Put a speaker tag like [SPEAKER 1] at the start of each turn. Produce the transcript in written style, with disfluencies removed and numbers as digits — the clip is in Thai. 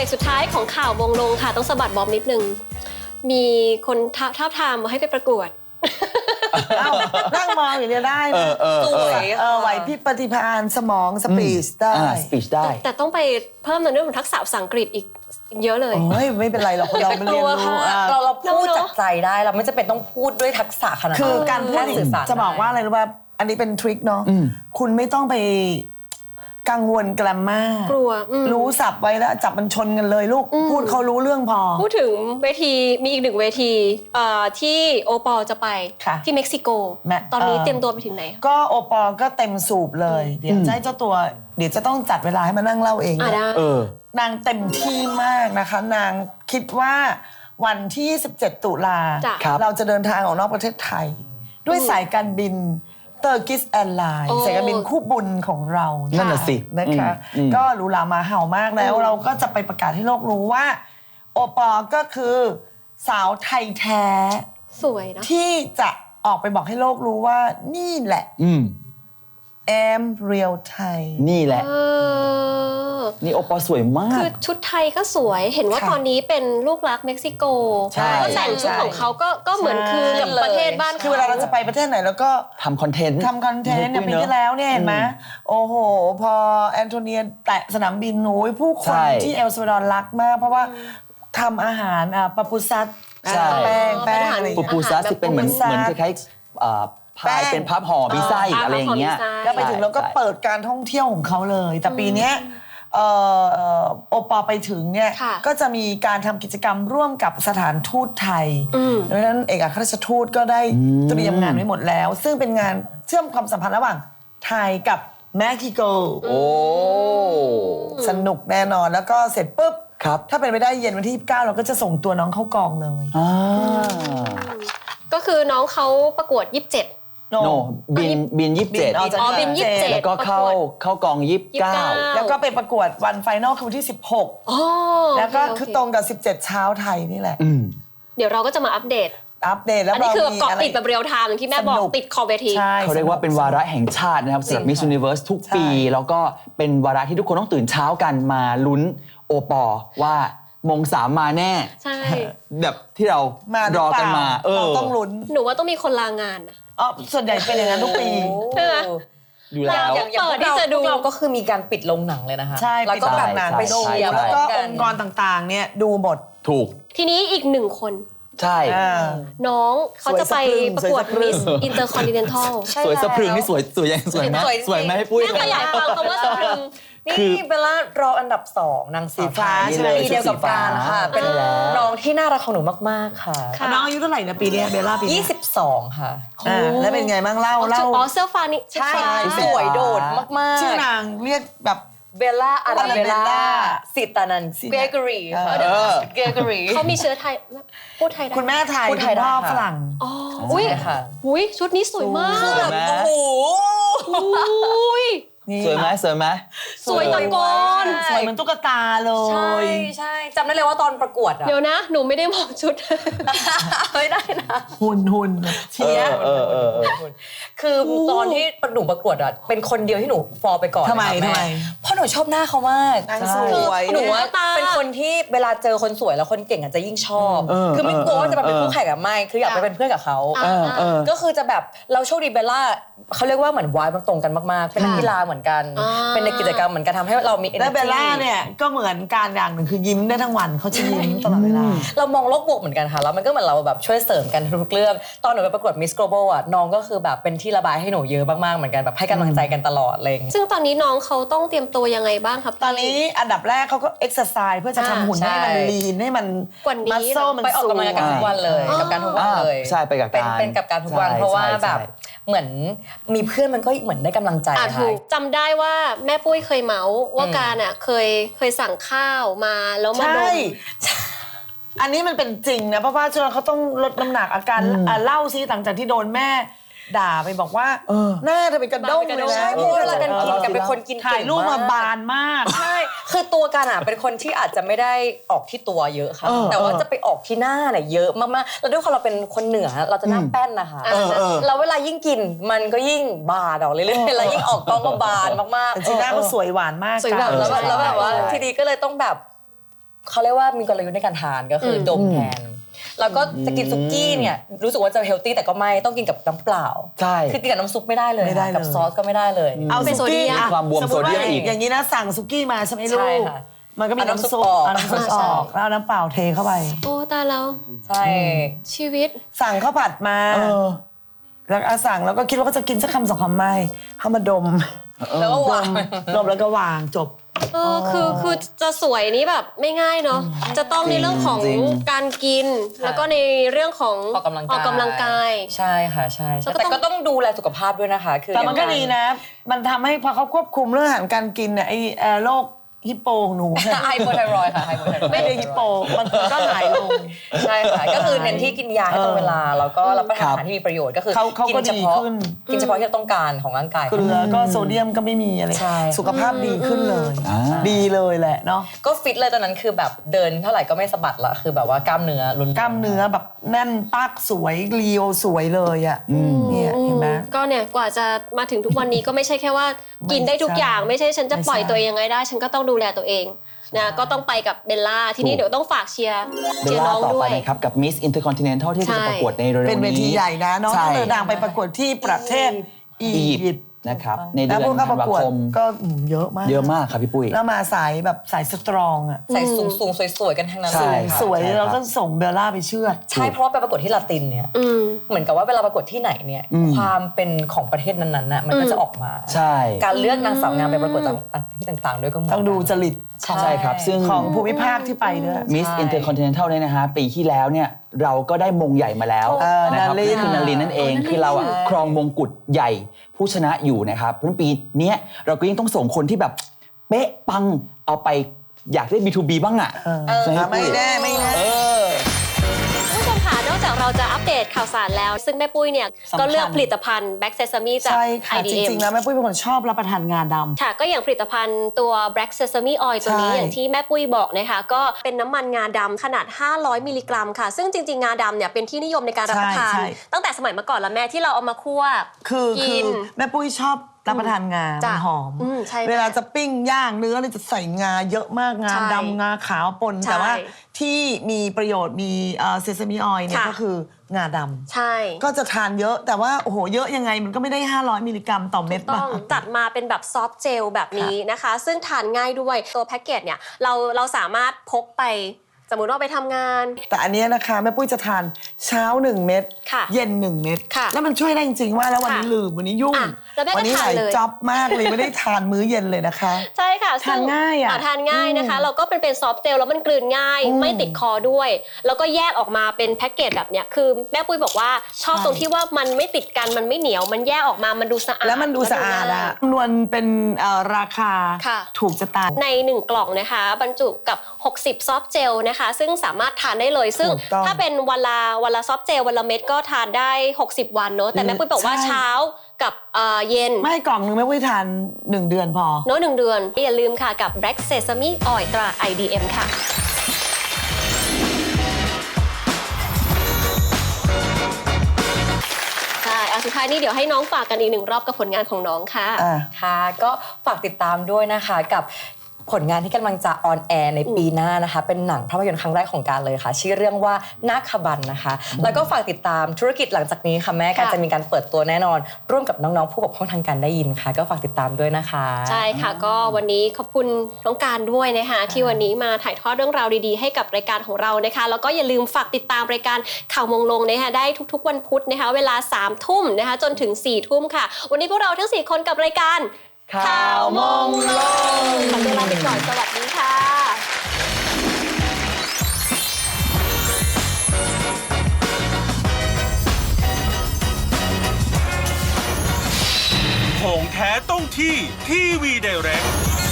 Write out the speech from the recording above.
[SPEAKER 1] กสุดท้ายของข่าววงลงค่ะต้องสะบัดบอมนิดนึงมีคนท้าทามมาให้ไปประกวด
[SPEAKER 2] นั่งมองอย่างเดียวได้นะ
[SPEAKER 3] สวย
[SPEAKER 2] ไหวพริบปฏิภาณสมองสปีชได้
[SPEAKER 1] แต่ต้องไปเพิ่มในเรื่องของทักษะภาษาอังกฤษอีกเยอะเลย
[SPEAKER 2] โอ้ยไม่เป็นไรหรอกเราเรียนรู้
[SPEAKER 3] เราพูดจากใจได้เราไม่จำเป็นต้องพูดด้วยทักษะขนาดนั้น
[SPEAKER 2] คือการพูดสื่อสารจะบอกว่าอะไรรู้ป่ะอันนี้เป็นทริคเนาะคุณไม่ต้องไปกังวลแกรมมาก
[SPEAKER 1] ลัว
[SPEAKER 2] รู้ศัพท์ไว้แล้วจับมันชนกันเลยลูกพูดเขารู้เรื่องพอ
[SPEAKER 1] พูดถึงเวทีมีอีกหนึ่งเวทีที่โอปอจะไปที่เม็กซิโกตอนนี้เตรียมตัวไปถึงไหน
[SPEAKER 2] ก็โอปอก็เต็มสูบเลยเดี๋ยวจะให้เจ้าตัวเดี๋ยวจะต้องจัดเวลาให้มานั่งเล่าเองนางเต็มที่มากนะคะนางคิดว่าวันที่17ตุลาเราจะเดินทางออกนอกประเทศไทยด้วยสายการบินเตอร์กิสแอร์ไลน์สายการบินคู่บุญของเรา
[SPEAKER 4] นั่นน่ะสิ
[SPEAKER 2] นะคะก็หรูหรามาเห่ามากแล้วเราก็จะไปประกาศให้โลกรู้ว่าโอปอก็คือสาวไทยแท้
[SPEAKER 1] สวยนะ
[SPEAKER 2] ที่จะออกไปบอกให้โลกรู้ว่านี่แหละแอมเรียลไทย
[SPEAKER 4] นี่แหละนี่โอปอสวยมาก
[SPEAKER 1] คือชุดไทยก็สวยเห็นว่าตอนนี้เป็นลูกรักเม็กซิโกก็แต่งชุดของเขาก็เหมือนคือกับประเทศบ้าน
[SPEAKER 2] คือเวลาเราจะไปประเทศไหนแล้วก็
[SPEAKER 4] ทำคอนเทนต์
[SPEAKER 2] อย่างปีที่แล้วเนี่ยเห็นไหมโอ้โหพอแอนโทเนียแตะสนามบินโอ้ยผู้คนที่เอลซัลวาดอร์รักมากเพราะว่าทำอาหารปาปูซัสแป้ง
[SPEAKER 4] ปูปูซัสที่เป็นเหมือนคล้ายๆพายเป็นพับห่อมีไส้อะไรอย่างเงี้ย
[SPEAKER 2] แล้วไปถึงเราก็เปิดการท่องเที่ยวของเขาเลยแต่ปีนี้โอปอไปถึงเนี่ยก็จะมีการทำกิจกรรมร่วมกับสถานทูตไทยดังนั้นเอกอัครราชทูตก็ได้เตรียมงานไว้หมดแล้วซึ่งเป็นงานเชื่อมความสัมพันธ์ระหว่างไทยกับเม็กซิโกสนุกแน่นอนแล้วก็เสร็จปุ๊บถ้าเป็นไปได้เย็นวันที่29เราก็จะส่งตัวน้องเข้ากองเลย
[SPEAKER 1] ก็คือน้องเขาประกวด27
[SPEAKER 4] บิน27
[SPEAKER 1] บิน27
[SPEAKER 4] แล้วก็เข้ากอง29
[SPEAKER 2] แล้วก็ไปประกวดวันไฟนอลคือวันที่16แล้วก็คือตรงกับ17เช้าไทยนี่แหละ
[SPEAKER 1] เดี๋ยวเราก็จะมาอัปเดต
[SPEAKER 2] แล้ว
[SPEAKER 1] อันนี้คือเกาะติดแบบเรียลไทม์อย่างที่แม่บอกติดคอเวที
[SPEAKER 4] เขาเรียกว่าเป็นวาระแห่งชาตินะครับสำหรับ Miss Universe ทุกปีแล้วก็เป็นวาระที่ทุกคนต้องตื่นเช้ากันมาลุ้นโอปอว่ามง3มาแน่
[SPEAKER 1] ใช่
[SPEAKER 4] แบบที่เรารอกันมา
[SPEAKER 2] เราต้องลุ้น
[SPEAKER 1] หนูว่าต้องมีคนลางาน
[SPEAKER 2] ส่วนใหญ่เป็นอย่างนั้นทุกปี
[SPEAKER 1] ใช่ไหม
[SPEAKER 4] อยู่แล้ว
[SPEAKER 3] อย่างเปิดที่จะดูเราก็คือมีการปิดลงหนังเลยนะคะ
[SPEAKER 2] ใช่
[SPEAKER 3] แล้วก็แบบ
[SPEAKER 2] หนังไปดูแล้วก็องค์กรต่างๆเนี่ยดูหมด
[SPEAKER 4] ถูก
[SPEAKER 1] ทีนี้อีก1คน
[SPEAKER 4] ใช่
[SPEAKER 1] น้องเขาจะไปประกวด Miss Intercontinental
[SPEAKER 4] สวยสะพรึงนี่สวยยังสวยไหมสวยไหมให้ปุ้ย
[SPEAKER 1] ขยายความคำว่าสะพรึง
[SPEAKER 3] นี่เบลล่ารออันดับ2นางสีฟ้าปีเดียวกับการค่ะเป็นน้องที่น่ารักของหนูมากๆค่ะ
[SPEAKER 2] น้องอายุเท่าไหร่นะปีนี้เบลล่าปี
[SPEAKER 3] 22ค่ะ
[SPEAKER 2] แล้วเป็นไงบ้างเล่า
[SPEAKER 1] เสื้อฟ้านี่
[SPEAKER 3] ใช่สวยโดดมากๆ
[SPEAKER 2] ชื่อนางเรียกแบบ
[SPEAKER 3] เบลล่าอาราเบลล่าสิตานันเกรกอรีค่ะเกรกอรี
[SPEAKER 1] เขามีเชื้อไทยพูดไทยได้
[SPEAKER 2] คุณแม่ไทยคุณพ่อฝรั่ง
[SPEAKER 1] อุ้ยชุดนี้สวยมาก
[SPEAKER 3] โอ้โห
[SPEAKER 4] สวยไหม
[SPEAKER 1] สวยตะโกน
[SPEAKER 2] สวยเหมือนตุ๊กตาเลย
[SPEAKER 3] ใช่จำได้เลยว่าตอนประกวด
[SPEAKER 1] เดี๋ยวนะหนูไม่ได้มองชุด
[SPEAKER 3] ไม่ได้นะ
[SPEAKER 2] หุ่นเชีย
[SPEAKER 3] คือตอนที่หนูประกวดอ่ะเป็นคนเดียวที่หนูฟอลไปก่อน
[SPEAKER 2] ทำไม
[SPEAKER 3] เพราะหนูชอบหน้าเขามาก
[SPEAKER 2] สวย
[SPEAKER 3] หนูว่าเป็นคนที่เวลาเจอคนสวยแล้วคนเก่งอาจจะยิ่งชอบคือไม่กลัวว่าจะมาเป็นคู่แข่งกับไม่คืออยากไปเป็นเพื่อนกับเขาก็คือจะแบบเราโชคดีเบลล่าเขาเรียกว่าเหมือนวายมันตรงกันมากๆเป็นนักกีฬาเหมือนกันเป็นในกิจกรรมเหมือนกันทำให้เรามี energy
[SPEAKER 2] และเบลล่าเนี่ยก็เหมือนการอย่างหนึ่งคือยิ้มได้ทั้งวันเขาจะยิ้มตลอดเวลา
[SPEAKER 3] เรามองโลกบวกเหมือนกันค่ะแล้วมันก็เหมือนเราแบบช่วยเสริมกันทุกเรื่องตอนหนูไปประกวด Miss Global อ่ะน้องก็คือแบบเป็นที่ระบายให้หนูเยอะมากๆเหมือนกันแบบให้กำลังใจกันตลอดเลย
[SPEAKER 1] ซึ่งตอนนี้น้องเขาต้องเตรียมตัวยังไงบ้างครับ
[SPEAKER 2] ตอนนี้อันดับแรกเขาก็เอ็กซ์ไซส์เพื่อจะทำหุ่นให้มันลีนให้มันมัสโซมัน
[SPEAKER 3] ไปออกกำลังกายทุกวันเลยกับการทุกวันเลย
[SPEAKER 4] ใช่ไปกับการ
[SPEAKER 3] เป็นกับการทุกวันเพราะว่าแบบเหมือนมีเพื่อนมันก็เหมือนได้กำลังใจ
[SPEAKER 1] ถูกจำได้ว่าแม่ปุ้ยเคยเมาส์ว่าการเคยสั่งข้าวมาแล้วมาดม
[SPEAKER 2] อันนี้มันเป็นจริงนะเพราะว่าช่วงเขาต้องลดน้ำหนักอาการเล่าซิหลังจากที่โดนแม่ด่าไปบอกว่าหน้าเธอเป็นกระด้งเลยนะ
[SPEAKER 3] เพราะเวลากันกินกันเป็นคนกิน
[SPEAKER 2] ถ่ายรูปมาบานมาก
[SPEAKER 3] ใช่คือตัวกันเป็นคนที่อาจจะไม่ได้ออกที่ตัวเยอะค่ะแต่ว่าจะไปออกที่หน้าเนี่ยเยอะมากๆแล้วด้วยความเราเป็นคนเหนือเราจะหน้าแป้นนะคะแล้วเวลายิ่งกินมันก็ยิ่งบานออกเรื่อยๆแล้วยิ่งออกกล้องก็บานมาก
[SPEAKER 2] ๆจริงๆหน้าก็สวยหวานมาก
[SPEAKER 3] สวยแบบแล้วแบบว่าทีนี้ก็เลยต้องแบบเขาเรียกว่ามีกลยุทธ์ในการทานก็คือดมแทนแล้วก็จะกินซุกี้เนี่ยรู้สึกว่าจะเฮลตี้แต่ก็ไม่ต้องกินกับน้ำเปล่า
[SPEAKER 4] ใช่
[SPEAKER 3] คือกินกับน้ำซุปไม่ได้เลย
[SPEAKER 2] ไม่ได้เลย
[SPEAKER 3] กับซอสก็ไม่ได้เลย
[SPEAKER 2] เอา
[SPEAKER 1] เป็น
[SPEAKER 2] ซุกี้
[SPEAKER 1] โซเดียม
[SPEAKER 2] อะ
[SPEAKER 4] ความบวม
[SPEAKER 2] สติ
[SPEAKER 4] โซเดียมอีก
[SPEAKER 2] อย่างนี้นะสั่งซุกี้มาใช่ไหมลู
[SPEAKER 3] ใช่
[SPEAKER 2] ก
[SPEAKER 3] ค่ะ
[SPEAKER 2] มันก็มี
[SPEAKER 3] เอาน้ำซุ
[SPEAKER 2] น้ำ
[SPEAKER 3] ป
[SPEAKER 2] ซุป
[SPEAKER 3] ออก
[SPEAKER 2] เอาน้ำซุปออกแล้วเอาน้ำเปล่าเทเข้าไป
[SPEAKER 1] โอ้ตายแล้ว
[SPEAKER 3] ใช่
[SPEAKER 1] ชีวิต
[SPEAKER 2] สั่งข้าวผัดมาแล้วสั่งแล้วก็คิดว่าก็จะกินสักคำสองคำไม่เข้ามาดม
[SPEAKER 3] แล้วก็วาง
[SPEAKER 2] ดมแล้วก็วางจบ
[SPEAKER 1] คือจะสวยนี้แบบไม่ง่ายเนาะจะต้องในเรื่องของ
[SPEAKER 4] จริง
[SPEAKER 1] การกิน แล้วก็ในเรื่องของ
[SPEAKER 3] ออกกำลังกาย
[SPEAKER 1] ย
[SPEAKER 3] ใช่ค่ะใช่
[SPEAKER 1] แล้วก็
[SPEAKER 3] แต่
[SPEAKER 1] ต้อง
[SPEAKER 3] ก็ต้องดูแลสุขภาพด้วยนะคะคือ
[SPEAKER 2] แต่มันก็
[SPEAKER 3] อย่าง
[SPEAKER 2] ดีนะ มันทำให้พอเขาควบคุมเรื่องอาหารการกินเนี่ยไอ้โรคฮิปโปของหนูเนี่ย
[SPEAKER 3] ไฮโปไทรอยด์ค่ะไฮโปไทรอยด์
[SPEAKER 2] ไม่ได้ฮิปโปมันก็หายลง
[SPEAKER 3] ใช่ค่ะก็คือเน้นที่กินยาให้ตรงเวลาแล้วก็รับประทานอาหารที่มีประโยชน์ก็คือ
[SPEAKER 2] เขาก็
[SPEAKER 3] กินเฉพาะ
[SPEAKER 2] ดีขึ้น
[SPEAKER 3] กินเฉพาะที่เราต้องการของร่างกาย
[SPEAKER 2] เกลือก็โซเดียมก็ไม่มีอะไร
[SPEAKER 3] ใช่
[SPEAKER 2] สุขภาพดีขึ้นเลย
[SPEAKER 4] อ่า
[SPEAKER 2] ดีเลยแหละเนาะ
[SPEAKER 3] ก็ฟิตเลยตอนนั้นคือแบบเดินเท่าไหร่ก็ไม่สะบัดละคือแบบว่ากล้ามเนื้อล้วนๆ
[SPEAKER 2] กล้ามเนื้อแบบแน่นปักสวยเรียวสวยเลยอ่ะเนี่ยเห็นไหม
[SPEAKER 1] ก็เนี่ยกว่าจะมาถึงทุกวันนี้ก็ไม่ใช่แค่ว่ากินได้ทุกอย่างไม่ใช่ฉันจะปล่อยตัวเองยังไงได้ ฉันก็ต้องดูแลตัวเองนะก็ต้องไปกับเบลล่าทีนี้เดี๋ยวต้องฝากเชียร์
[SPEAKER 4] เบล
[SPEAKER 1] น้
[SPEAKER 4] ล่า
[SPEAKER 1] อง
[SPEAKER 4] ต่อ
[SPEAKER 1] ด้
[SPEAKER 4] ไป
[SPEAKER 1] วย
[SPEAKER 4] นะครับกับ Miss Intercontinental ที่จะประกวดในเร็วๆนี้
[SPEAKER 2] เป็นเวทีใหญ่นะน้อง
[SPEAKER 4] ใช่
[SPEAKER 2] เดินทางไปประกวดที่ประเทศอี
[SPEAKER 4] อียิ
[SPEAKER 2] ยิ
[SPEAKER 4] ป
[SPEAKER 2] ป
[SPEAKER 4] ต์
[SPEAKER 2] ต์
[SPEAKER 4] นะครับใน
[SPEAKER 2] แล้
[SPEAKER 4] เดื
[SPEAKER 2] ว
[SPEAKER 4] อน
[SPEAKER 2] พวก
[SPEAKER 4] ธั
[SPEAKER 2] เข้าน ประ
[SPEAKER 4] วาก
[SPEAKER 2] วด
[SPEAKER 4] คม
[SPEAKER 2] ก็เยอะมาก
[SPEAKER 4] เยอะมากครับพี่ปุ้ย
[SPEAKER 2] แล้วมาสายแบบสายสตรองอ่ะ
[SPEAKER 3] ใส่สูงๆสวยๆกันทั้งนั้น
[SPEAKER 4] ใช่
[SPEAKER 3] เลยค่ะ
[SPEAKER 2] สวย
[SPEAKER 4] ใช่ครับ
[SPEAKER 2] แล้วก็ส่งเบลล่าไปเชือด
[SPEAKER 3] ใช่เพราะว่าไปประกวดที่ลาตินเนี่ยเหมือนกับว่าเวลาประกวดที่ไหนเนี่ยความเป็นของประเทศนั้นๆน่ะมันก็จะออกมา
[SPEAKER 4] ใช่
[SPEAKER 3] การเลือกนางสาวงามไปประกวดที่ต่างๆด้วยก็เหมือน
[SPEAKER 2] ต้องดูจริต
[SPEAKER 4] ใช่ครับซึ่ง
[SPEAKER 2] ของภูมิภาคที่ไปด้วย
[SPEAKER 4] Miss Intercontinental เนี่ยนะฮะปีที่แล้วเนี่ยเราก็ได้มงใหญ่มาแล้วนะครับ
[SPEAKER 2] นาริน
[SPEAKER 4] คือนารินนั่นเองคือเราอะครองมงกุฎใหญ่ผู้ชนะอยู่นะครับเพราะฉะนั้นปีเนี้ยเราก็ยังต้องส่งคนที่แบบเป๊ะปังเอาไปอยากได้ B2B บ้างอ่ะใช่ไหม
[SPEAKER 2] ไม่
[SPEAKER 4] ปุ้ย
[SPEAKER 2] แน่ไม่แน่
[SPEAKER 1] ผู้ชมค่ะนอกจากเราจะอัปเดตข่าวสารแล้ว ซึ่งแม่ปุ้ยเนี่ย
[SPEAKER 2] สำคัญ
[SPEAKER 1] ก็เลือกผลิตภัณฑ์ Black Sesame จาก
[SPEAKER 2] ใช่ค่ะจ
[SPEAKER 1] IDM
[SPEAKER 2] ริงๆแล้วแม่ปุ้ยเป็นคนชอบรับประทานงาดำ
[SPEAKER 1] ค่ะก็อย่างผลิตภัณฑ์ตัว Black Sesame Oil ตัวนี้
[SPEAKER 2] ใช่
[SPEAKER 1] อย่างที่แม่ปุ้ยบอกนะคะก็เป็นน้ำมันงาดำขนาด 500 มิลลิกรัมค่ะ ซึ่งจริงๆ งาดำเนี่ยเป็นที่นิยมในการรับประทาน
[SPEAKER 2] ใช่
[SPEAKER 1] ตั้งแต่สมัยเมื่อก่อนแล้วแม่ที่เราเอามาคั่ว
[SPEAKER 2] คือ
[SPEAKER 1] กิน
[SPEAKER 2] แม่ปุ้ยชอบรับประทานงา
[SPEAKER 1] จ้ะ
[SPEAKER 2] มันหอม
[SPEAKER 1] ใช่
[SPEAKER 2] เวลาจะปิ้งย่างเนื้อเนี่ยจะใส่งาเยอะมากงา
[SPEAKER 1] ใช่
[SPEAKER 2] ดำงาขาวปน
[SPEAKER 1] ใช่
[SPEAKER 2] แต่ว่าที่มีประโยชน์มีเซซามิออยล์เนี่ย
[SPEAKER 1] ค่ะ
[SPEAKER 2] ก็คืองาดำ
[SPEAKER 1] ใช่
[SPEAKER 2] ก็จะทานเยอะแต่ว่าโอ้โหเยอะยังไงมันก็ไม่ได้ 500 มิลลิกรัมต่อเม็ด
[SPEAKER 1] ต้องจัดมาเป็นแบบซอฟต์เจลแบบนี้นะคะ ซึ่งทานง่ายด้วยตัวแพ็กเกจเนี่ยเราสามารถพกไปสมมุติว่าไปทำงาน
[SPEAKER 2] แต่อันเนี้ยนะคะแม่ปุ้ยจะทานเช้า 1 เม็ด
[SPEAKER 1] ค่ะ
[SPEAKER 2] เย็น 1 เม็ด
[SPEAKER 1] ค่ะ
[SPEAKER 2] แล้วมันช่วยได้จริงๆว่าแล้ววันนี้
[SPEAKER 1] ค่ะ
[SPEAKER 2] ลืมวันนี้ยุ่ง
[SPEAKER 1] อ่ะแล้วแม่ก็
[SPEAKER 2] วันี้
[SPEAKER 1] ทา
[SPEAKER 2] ห
[SPEAKER 1] น
[SPEAKER 2] ลาย
[SPEAKER 1] เลย
[SPEAKER 2] จ็อบมากเลยไม่ได้ทานมื้อเย็นเลยนะคะ
[SPEAKER 1] ใช่ค่ะ
[SPEAKER 2] ทานง่ายอะ
[SPEAKER 1] ทานง่ายนะคะเราก็เป็นซอฟต์เจลแล้วมันกลืนง่าย ไม่ติดคอด้วย แล้วก็แยกออกมาเป็นแพ็กเกจแบบเนี้ยคือแม่ปุ้ยบอกว่าชอบตรงที่ว่ามันไม่ติดกันมันไม่เหนียวมันแยกออกมามันดูสะอาด
[SPEAKER 2] แล้วมันดูสะอาดอะนวลเป็นราคา
[SPEAKER 1] ค่ะ
[SPEAKER 2] ถูกจะตาย
[SPEAKER 1] ใน 1 กล่องนะคะบรรจุกับ 60 ซอฟต์เจลนะคะซึ่งสามารถทานได้เลยซึ่ง
[SPEAKER 2] ถูกต้อง
[SPEAKER 1] ถ้าเป็นวันละซอฟต์เจลวันละเม็ดก็ทานได้ 60 วันเนอะแต่แม่ปุ้ยบอกว่า
[SPEAKER 2] ใช่
[SPEAKER 1] เช้ากับเย็น
[SPEAKER 2] ไม่กล่องนึงแม่ปุ้ยทาน 1 เดือนพอ
[SPEAKER 1] เนอะ1 เดือนอย่าลืมค่ะกับ Black Sesame Oil ตรา IDM ค่ะ ใช่สุดท้ายนี้เดี๋ยวให้น้องฝากกันอีก1 รอบกับผลงานของน้องค่ะ
[SPEAKER 3] ค่ะก็ฝากติดตามด้วยนะคะกับผลงานที่กำลังจะออนแอร์ในปีหน้านะคะเป็นหนังภาพยนตร์ครั้งแรกของการเลยค่ะชื่อเรื่องว่านาคบันนะคะแล้วก็ฝากติดตามธุรกิจหลังจากนี้ค่ะแม่การ
[SPEAKER 1] ค่ะ
[SPEAKER 3] จะมีการเปิดตัวแน่นอน ร่วมกับน้องๆผู้ปกครองทางการได้ยินค่ะ ก็ฝากติดตามด้วยนะคะ
[SPEAKER 1] ใช่ค่ะก็วันนี้ขอบคุณน้องการด้วยนะคะที่วันนี้มาถ่ายทอดเรื่องราวดีๆให้กับรายการของเรานะคะแล้วก็อย่าลืมฝากติดตามรายการข่าวมงลงนะคะได้ทุกๆวันพุธนะคะเวลา 3 ทุ่มนะคะจนถึง 4 ทุ่มค่ะ วันนี้พวกเราทั้ง 4 คนกับรายการ
[SPEAKER 3] ข่าวมงลง
[SPEAKER 1] ขอตัวลาไปก่อนสวัสดีค่ะ
[SPEAKER 5] ของแท้ต้องที่ทีวีไดเรก